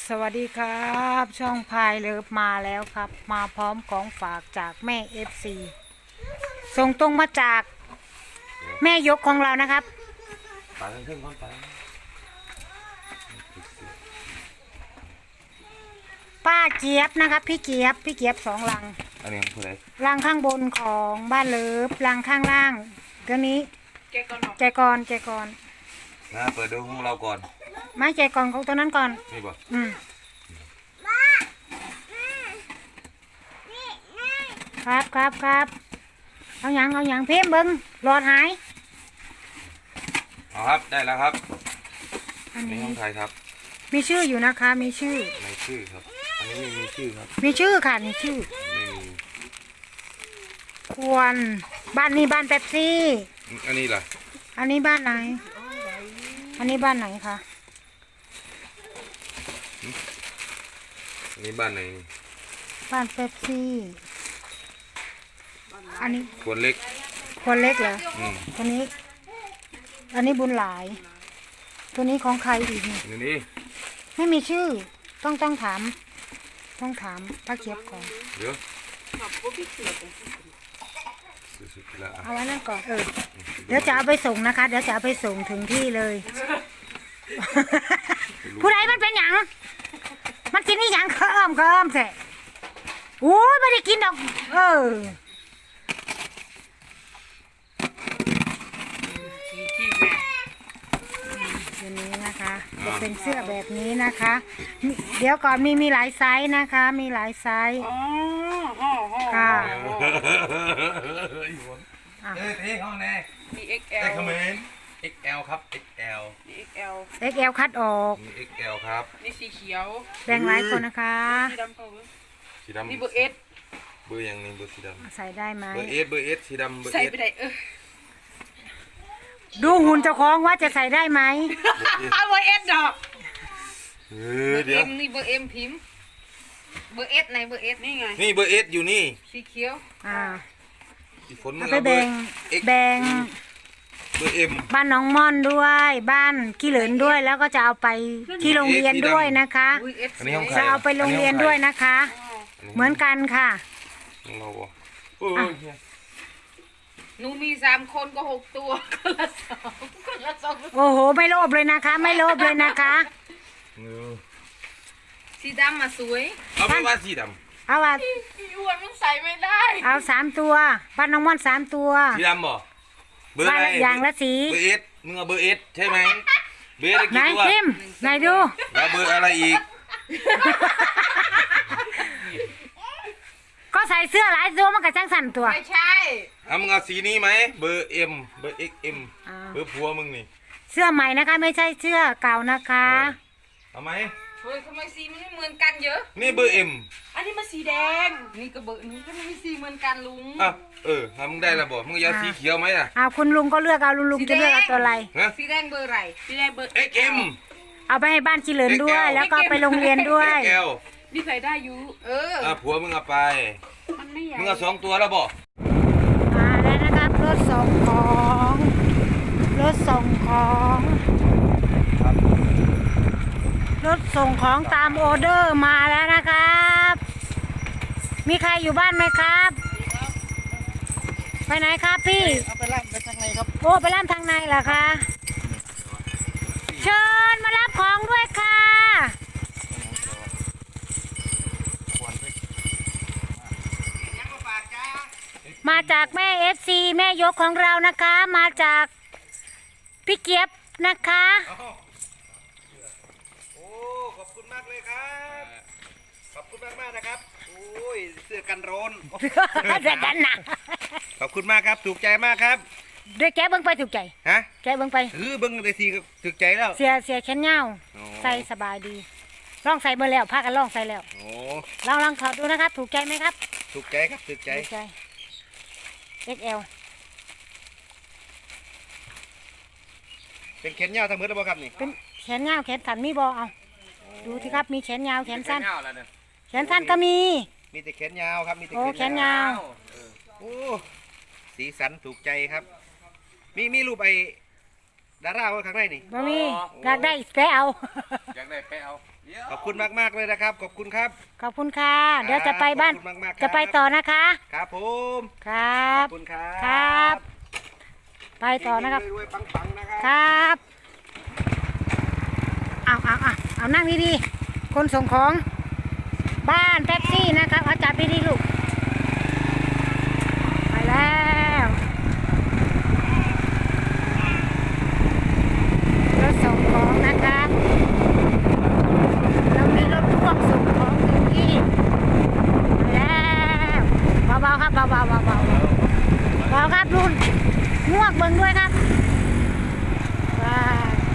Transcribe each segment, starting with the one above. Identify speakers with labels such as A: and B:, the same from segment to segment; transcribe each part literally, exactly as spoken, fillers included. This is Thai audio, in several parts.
A: สวัสดีครับช่องพายเลิฟมาแล้วครับมาพร้อมของฝากจากแม่เอฟซีส่งตรงมาจากแม่ยกของเรานะครับ
B: ปลาเครื่องก้อนปลา
A: ป้าเจี๊ยบนะครับพี่เจี๊ยบพี่เจี๊ยบสองลัง
B: อันนี้คืออะไร
A: ลังข้างบนของบ้านเลิฟลังข้างล่างตัวนี้ใจกรใจกร
B: นะเปิดดูของเราก่อน
A: ไม่ใจกรของตัวนั้นก่อน
B: นี่บ่
A: อืมครับครับครับเอาอย่างเอาอย่างเพิ่มเบิ้งหลอดหาย
B: เอาครับได้แล้วครับ
A: อันนี้
B: ห้องไทยครับ
A: มีชื่ออยู่นะคะมีชื่อ
B: ไม่ชื่อครับอันนี้ไม่มีชื่อครับ
A: มีชื่อค่ะมีชื่อ
B: ไม่มี
A: ควรบ้านนี้บ้านเป๊ปซี่
B: อันนี้ล่ะ
A: อันนี้บ้านไหนอันนี้บ้านไหนคะ
B: อันนี้บ้านไหน
A: บ้านเป๊ปซี่อันนี้
B: ควรเล็ก
A: ควรเล็กเหรอตัวนี้อันนี้บุญหลายตัวนี้ของใครอีกนี่
B: นี่
A: ไม่มีชื่อต้องต้องถามต้องถามป้าเขียบก่อน
B: เดี๋ยว
A: เอาไว้นั่นก่อนเออเดี๋ยวจะเอาไปส่งนะคะเดี๋ยวจะเอาไปส่งถึงที่เลยผู้ใดมันเป็นหยังมันกินนี่หยังเคิมเคิมแท้โอ้ยไม่ได้กินดอกเออตัวนี้นะคะจะเป็นเสื้อแบบนี้นะคะเดี๋ยวก่อนมีมีหลายไซส์นะคะมีหลายไซส์ค่ะ
B: เอ้ยเท่เขาแน่
C: มี เอ็กซ์ แอล
B: เอ็กซ์เมน เอ็กซ์ แอล ครับ เอ็กซ์ แอล
C: มี เอ็กซ์ แอล
A: เอ็กซ์ แอล คัดออก
B: มี เอ็กซ์ แอล ครับ
C: นี่สีเขียว
A: แบ่งหลายคนนะคะ
C: สีดำเปล่า
B: สีดำ
C: นี่เบอร์เอส
B: เบอร์ยังนี่เบอร์สีดำ
A: ใส่ได้ไหม
B: เบอร์เอสเบอร์เอสสีดำเบอร์เอส
C: ใส่ไปได้เออ
A: ดูหุ่นเจ้าของว่าจะใส่ได้ไหม
C: เอาเบอร์เอสดอก
B: เอ
C: เบ
B: อ
C: อร์
B: เดี๋ย
C: เอ็
B: ว
C: มนี่เบอร์เอ็มพิมพ์เบอร์เอสไหนเบอร์เอสนี่ไง
B: นี่เบอร์เอสอยู่นี่
C: สีเขียว
A: อ่า
B: ฝนมึง
A: ไปแบ่งแบ่ง
B: เบอร์เอ็ม
A: บ้านน้องม่อนด้วยบ้านขี้เหลินด้วยแล้วก็จะเอาไปที่โรงเรียนด้วยนะคะจะเอาไปโรงเรียนด้วยนะคะเหมือนกันค่ะ
C: หนูมีสามคนก็หกตัวคนละสองคนละสอง
A: โอ้โหไม่โลภเลยนะคะไม่โลภเลยนะคะ
C: สีดำมาสวย
B: เอาไปว่าสีดำ
A: เอาว่า
C: สีอ้วนมันใส่ไม่ได้
A: เอาสามตัวบ้านน้องม่อนสามตัว
B: สีดำบ่เบอร์อะไร
A: อย่างละสี
B: เบอร์เอสมึงเอาเบอร์เอสใช่ไหมเบอร์เอส
A: ไหนพิมไหนดู
B: แล้วเบอร์อะไรอีก
A: ก็ใส่เสื้อหลายตัวมันก็จังสั่นตัว
C: ไม่ใช่
B: เอามึงเอาสีนี้ไหมเบอร์เอ็มเบอร์เอ็กเอ็มเบอร์ผัวมึงนี่
A: เสื้อใหม่นะคะไม่ใช่เสื้อเก่านะคะ
B: เอาไหม
C: เฮ้ยทำไมสีมันไม่เหมือนกันเยอะ
B: นี่เบอร์เอ็ม
C: อันนี้มันสีแดงนี่ก็เบอร์นี้ก็ไม่มีสีเหมือนกันลุง
B: อ่ะเออทำมึงได้แล้วบ่มึงอยากสีเขียวไหมล่ะ
A: อ้าวคุณลุงก็เลือกเอาลุงลุงจะเลือกเอาตัวอะไร
C: สีแดงเบอร์อะไรสีแดงเบอร์
B: เอ็กเอ็ม
A: เอาไปให้บ้านขี้เหลินด้วยแล้วก็ไปโรงเรียนด้วย
C: นี่ใส่ได้อยู่เออ
B: อ่ะผัวมึงเอาไป
C: มันไม่ใหญ่
B: มึงเอาสองตัวแล้วบ่
A: มาแล้วนะครับรถส่งของรถส่งของรถส่งของตามออเดอร์มาแล้วนะครับมีใครอยู่บ้านไหมครับไปไหนครับพี่
C: เอาไปล่ำไปทางไหนครับ
A: โอ้ไปล่ำทางในเหรอคะเชิญมารับของด้วยค่ะมาจากแม่เอฟซีแม่ยกของเรานะคะมาจากพี่เกียบนะคะ
B: โอ้ขอบคุณมากเลยครับขอบคุณมากมากนะครับโอ้ยเสื้อกันร้อน
A: เสื้อกันหนัก
B: ขอบคุณมากครับถูกใจมากครับ
A: ด้วยแกเบิ้งไปถูกใจ
B: ฮะ
A: แกเบิ้งไป
B: เออเบิ้งได้ทีก็ถูกใจแล้ว
A: เสียเสียแขนยาวใส่สบายดีลองใส่เบอร์แล้วพากันลองใส่แล้ว
B: โอ้
A: ลองลองถอดดูนะครับถูกใจไหมครับ
B: ถูกใจครับถูกใจ
A: เอ็กซ์ แอล
B: เป็นแขนยาวทั้งหมดแล้วบ่ครับนี่
A: เป็นแขนยาวแขนสั้นมีบ่เอาดูที่ครับมีแขนยาวแขนสั้นแขนสั้นก็มี
B: มีแต่แขนยาวครับมีแต่
A: แขนยาว
B: โอ้สีสันถูกใจครับมีมีรูปไอ้ดาราไว้ข้างในนี่
A: บ่มีอยากได้ไปเอา
B: อยากได้ไปเอาขอบคุณมากๆเลยนะครับขอบคุณครับ
A: ขอบคุณค่ะ เดี๋ยวจะไปบ้าน
B: ขอบคุณมากๆครับ
A: จะไปต่อนะคะ
B: ครับผม
A: ครับ
B: ขอบคุณครับ
A: ครับ ไปต่อนะครับ
B: รวยๆปังๆนะครับ
A: ครับเอาเอาเอาเอานั่งดีๆคนส่งของบ้านแท็กซี่นะครับเอาจับดีๆลูกไปแล้วรถส่งของนะครับเรามีรถพ่วงส่งของถึงที่ไปแล้วเบาๆครับเบาๆเบาๆเบาๆเบาครับรุ่นงวกเบิ่งด้วยครับว้า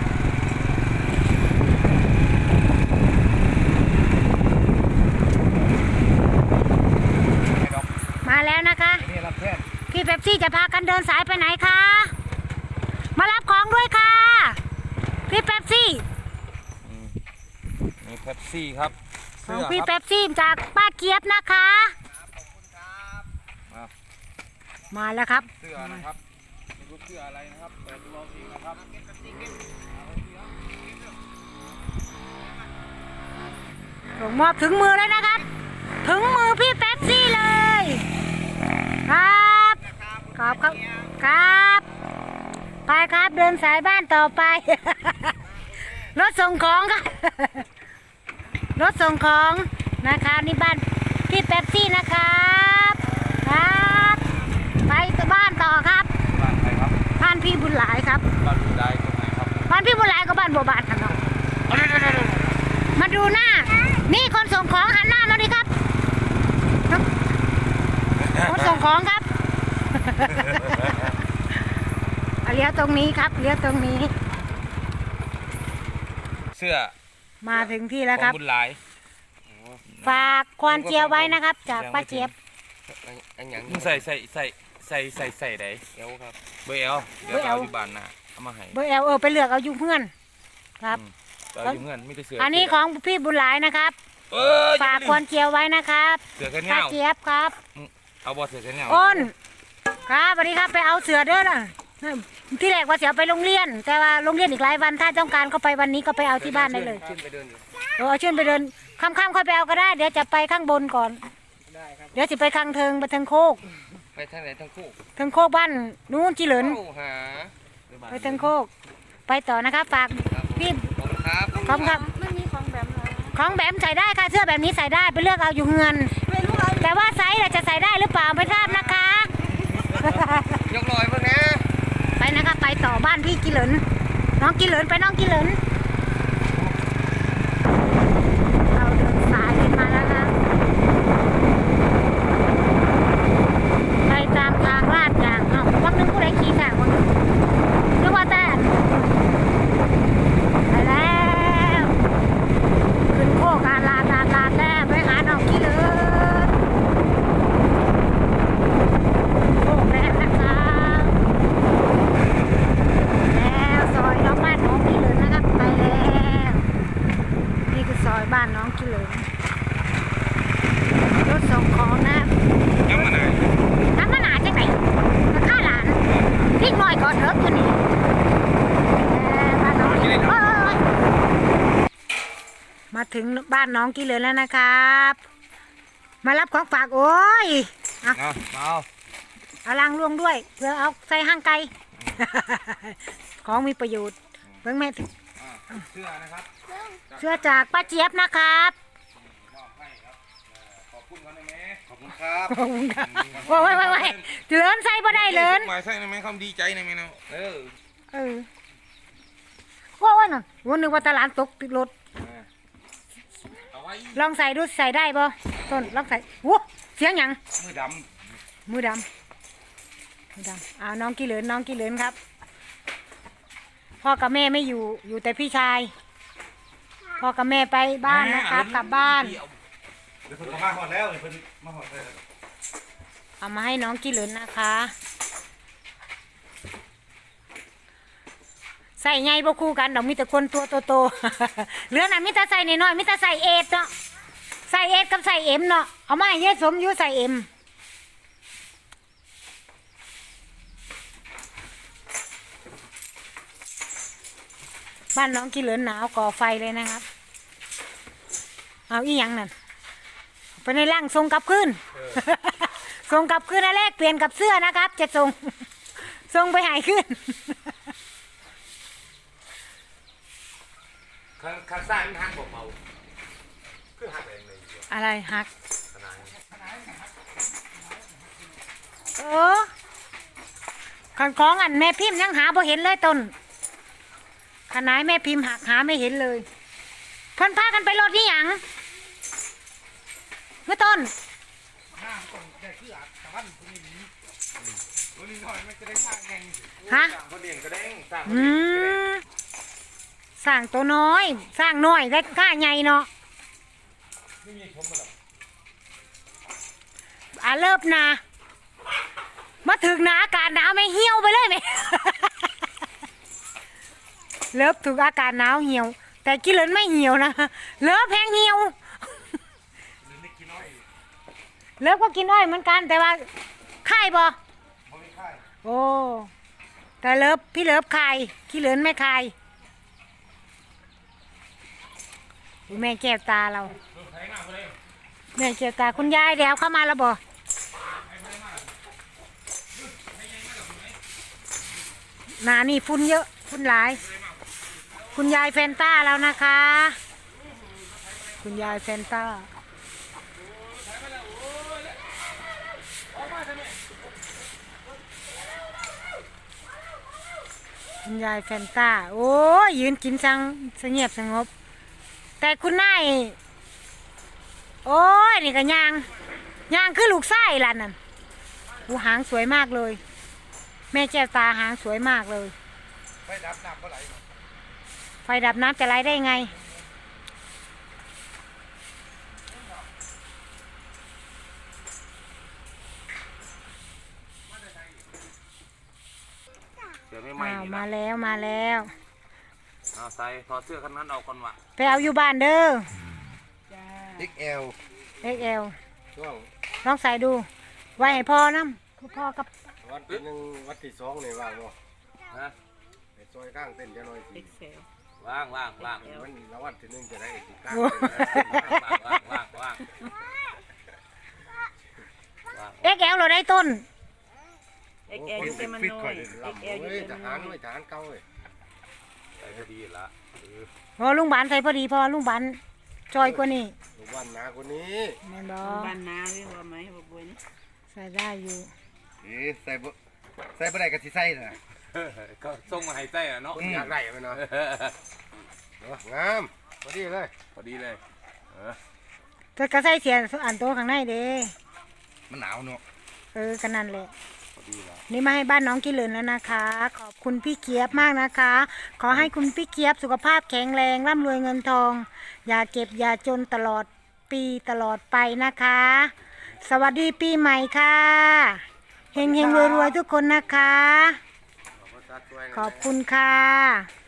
A: มาแล้วนะคะ
B: นี่รับแทน
A: พี่เป๊ปซี่จะพากันเดินสายไปไหนคะ มารับของด้วยค่ะ พี่เป๊ปซี่
D: มีเป๊ปซี่ครับ
A: ข
D: เสื้
A: อง
D: อ
A: พี่
D: ครับ
A: เป๊ปซี่จากป้าเจี๊ยบนะคะ
D: มา
A: มาแล้วครับ
D: เสื้อนะครับไม่รู้เสื้ออะไรนะครับเปิดดูเอาเองนะครับ
A: ส่งมอบถึงมือแล้วนะครับ ถึงมือพี่เป๊ปซี่เลย ครับขอบครับครับ ไปครับเดินสายบ้านต่อไป รถส่งของครับ รถส่งของนะคะนี่บ้านพี่เป๊ปซี่นะครับครับไปบ้านต่อครับ
D: บ้านใครครับ
A: บ้านพี่บุญหลายครับ
D: บ้านดูได้ตรงไหนครับ
A: บ้านพี่บุญหลายก็บ้านบัวบานครับเนาะมาดูหน้า นี่คนส่งของหันหน้ามาดิครับ คนส่งของครับ เอาเลี้ยวตรงนี้ครับเลี้ยวตรงนี้
D: เสื้อ
A: มาถึงที่
D: ข
A: แล้ว
D: อ
A: ครั
D: ง
A: บ
D: บุญหลาย
A: ฝากควานเจียวไว้นะครับ จากป้าเจี๊ยบ
B: อันหยัง
D: มึงใส่ใส่ใส่ใส่ใส่ใส่ไหน
B: เอวครับ
D: เบอร์เอลเดี๋ยว
A: เบอร์
D: เอา
A: L
D: อยู่บ้านนะเอามาให้
A: เบอร์แอลเออไปเลือกเอาอยู่เพื่อนครับ
D: เอาอยู่เงินไม่ได้เสื้อ
A: อั
D: อั
A: นนี้ของพี่บุญหลายนะครับ
D: เออ
A: ฝากควานเจียวไว้นะครับ
D: เสื้อแค่
A: ป้า
D: เนี้ย
A: เจี๊ยบครับ
D: เอาบอเสื้อแค่เนี้ย
A: อ้นครับสวัสดีครับไปเอาเสือเด้อนะที่แรกว่าเสียไปโรงเรียน แต่ว่าโรงเรียนอีกหลายวันถ้าต้องการก็ไปวันนี้ก็ไปเอาที่บ้านได้เลย
B: ขึ้นไปเดินอยู่
A: เออเอาเชิญไปเดินค่ำๆค่อยไปเอาก็ได้ เดี๋ยวจะไปข้างบนก่อน
B: ได้ครับ
A: เดี๋ยวจะไปข้างเทิงไปเทิงโคก
B: ไปทางไหนทั้งคู่
A: เทิงโคกบ้านนู้นจีเหลิน
B: เข้าหา
A: ไปเทิงโคก ไปต่อนะครับฝากพี่
B: ขอบคุณครับ
A: พร้อมครับ
C: ไม่มีของแบบนั้น
A: ของแบบใส่ได้ค่ะเสื้อแบบนี้ใส่ได้ไปเลือกเอาอยู่เงิน
C: ไม่รู้เอา
A: แต่ว่าไซส์เราจะใส่ได้หรือเปล่าไม่ทราบนะคะ
B: ยกลอยเพื่อนนะ
A: ไปนะคะไปต่อบ้านพี่กิเหลินน้องกิเหลินไปน้องกิเหลินเราเดินสายกันมาแล้วนะไปตามทางลาดยางเอ้าวักนึงผู้ใดขี่ทางวักนึงนึกว่าแต่ไปแล้วขึ้นโคกอาลาดลาดลาดแล้วไปหาน้องกิเหลินโคกแล้วนะคะแล้วซอยน้องบ้านน้องกิเหลินนะครับไปแล้วนี่คือซอยบ้านน้องกิเหลินรถส่งของนะ
D: ยังมาไหน
A: น้ำมันหนาจังไหนมาฆ่าหลานพริกหน่อยก่อนเถอะตัวนี้แล้วบ้านน้องกิเหลินเอ้ยมาถึงบ้านน้องกิเหลินแล้วนะครับ มารับของฝากโอ้ยเอา
D: เอาเอา
A: เอาล้างล่วงด้วยเพื่อเอาใส่ห้างไก่ ของมีประโยชน์เบิ่งแม่
D: อ่าเสื้อนะครับ
A: เสื้อจากป้าเจี๊ยบนะครับ
D: มอบให้ครับเอ่อขอบคุณเขาได้ไหม
B: ขอบคุณครับ
A: ขอบคุณครับโอ้ยโอ้ยโอ้ยเลินใส่บ่ได้เลิน
D: หมายใส่ได้ไหมคำดีใจได้ไหมเนาะเออ
A: เออว่าว่าน่ะวันนึกว่าตลาดตกติดรถ
D: เอาไว้
A: ลองใส่ดูใส่ได้บ่ต้นลองใส่วัวเสียงหยัง
D: มือด
A: มือดำมือดำเอาน้องกี่เหลินน้องกี่เหลินครับพ่อกับแม่ไม่อยู่อยู่แต่พี่ชายพ่อกับแม่ไป
D: ำ
A: บ้านนะครับกลับบ้าน
B: เดี๋ยวเพิ่นมาหอดแล้วเดี๋ยวเพิ่นมาหอดแล้ว
A: เอามาให้น้องกี่เหลินนะคะ ใส่ไงบ่คู่กันดอกมีแต่คนตัวโตๆ เหลือน่ะมีแต่ใส่น้อยๆมีแต่ใส่เอทเนาะใส่เอทกับใส่เอ็มเนาะเอามาให้เยสมอยู่ใส่เอ็มบ้านน้องกี่เหลินหนาวก่อไฟเลยนะครับเอาอีหยังนั่นไปในร่างทรงกลับคืน ทรงกลับคืนอันแรกเปลี่ยนกับเสื้อนะครับ จะทรง ทรงไปหายขึ้น
B: ข้างข้างซ้ายมันหักบ่เบาคือหักเองเลย
A: อะไรหัก
B: ขนาด
A: เออขันของอันแม่พิมพ์ยังหาบ่เห็นเลยต้นขนายแม่พิมพ์หักหาไม่เห็นเลยเพิ่นพากันไปรถนี่หยังเมื่อต้น
D: ห้างต้องได้คืออาตะวันคนนี้คนนี้หน่อยมันจะได้ห้างแงง
A: ฮะ
B: เขาเลี้ยงกระเด้งสร้าง
A: อืมสร้างตัวน้อย สร้างน้อยได้กล้าใหญ่เนาะ
B: ไม่มีชมมาหรอก
A: อ่ะเลิบนามาถึงหนาอากาศหนาวไม่เหี่ยวไปเลยไหม เลิบถึงอากาศหนาวเหี่ยว แต่กินเหลินไม่เหี่ยวนะเลิบแพงเหี่ยว เลิฟก็กินอ้อยเหมือนกันแต่ว่าไข่บ่
B: บ่มีค่าย
A: โอ้แต่เลิฟพี่เลิฟไข่ขี้เหลินไม่ไข่อุ๊ยแม่แก้วตาเราแม่แก้วตาคุณยายเดี๋ยวเข้ามาแล้วบ่หนานี่ฝุ่นเยอะฝุ่นหลาย คุณยายแฟนต้าแล้วนะคะ คุณยายแฟนต้าคุณยายแฟนต้าโอ้ยยืนกินสังสงบสงบแต่คุณนายโอ้ยนี่ก็ยางยางคือลูกไส้ล่ะนั่นหูหางสวยมากเลย แม่แก้วตาหางสวยมากเลย
B: ไปดับน้ำเมื่อไหร่
A: ไฟดับน้ำจะไหลได้ไง
B: เดี๋ยวไม่ไหม้
A: อ้าว
B: นี่
A: มา
B: นะ
A: แล้วมาแล้ว
B: เอาใส่ถอดเสื้อคันนั้นออกก่อนวะ
A: ไปเอาอยู่บ้านเด้อ
B: เอ็กซ์แอล
A: เอ็กเอล
B: ช่วง
A: ลองใส่ดู ไว้ให้พ่อน้ำคือพ่อกับ
B: วันที่หนึ่งวันที่สองนี่ว่างบ่ฮะไปซอยข้างเต้นจะหน่อยสิ ว่างว่างว่างมันละวันที่หนึ่งจะได้อีกกลางว่างว่างว่างว่าง
A: เอ็กเอลเราได้ต้น
C: เอ็กเอลเต็มมันน้อยเอ็กเอล
B: เฮ้ยทหารเว้ยทหารเก่าเว้ยใส่พอดีละ
A: พอลุงบานใส่พอดีพอลุงบานจอยกว่านี่
B: ทุกวันนาคนนี้
A: แม่นบอ
C: บ้านนาเรียกว่าไหมบอกบัวนี่
A: ใส่ได้อยู่
B: เอ๊ใส่บ่ใส่บ่ได้ก็สิใส่น่ะก็ส่งมาให้ใส่อ่ะเนาะอยากได้มันเนาะงามพอดีเลยพอดีเลยเออ
A: จะกระใส่เสียอันโตข้างในเด้
B: มันหนาวเนาะ
A: เออกันนั่นแหละ
B: พอดีแล้ว
A: นี่มาให้บ้านน้องกินเหลินแล้วนะคะ ขอบคุณพี่เกียบมากนะคะ ขอให้คุณพี่เกียบสุขภาพแข็งแรงร่ำรวยเงินทอง อย่าเก็บอย่าจนตลอดปีตลอดไปนะคะ สวัสดีปีใหม่ค่ะเฮงเฮงรวยรวยๆทุกคนนะคะ ขอบคุณค่ะ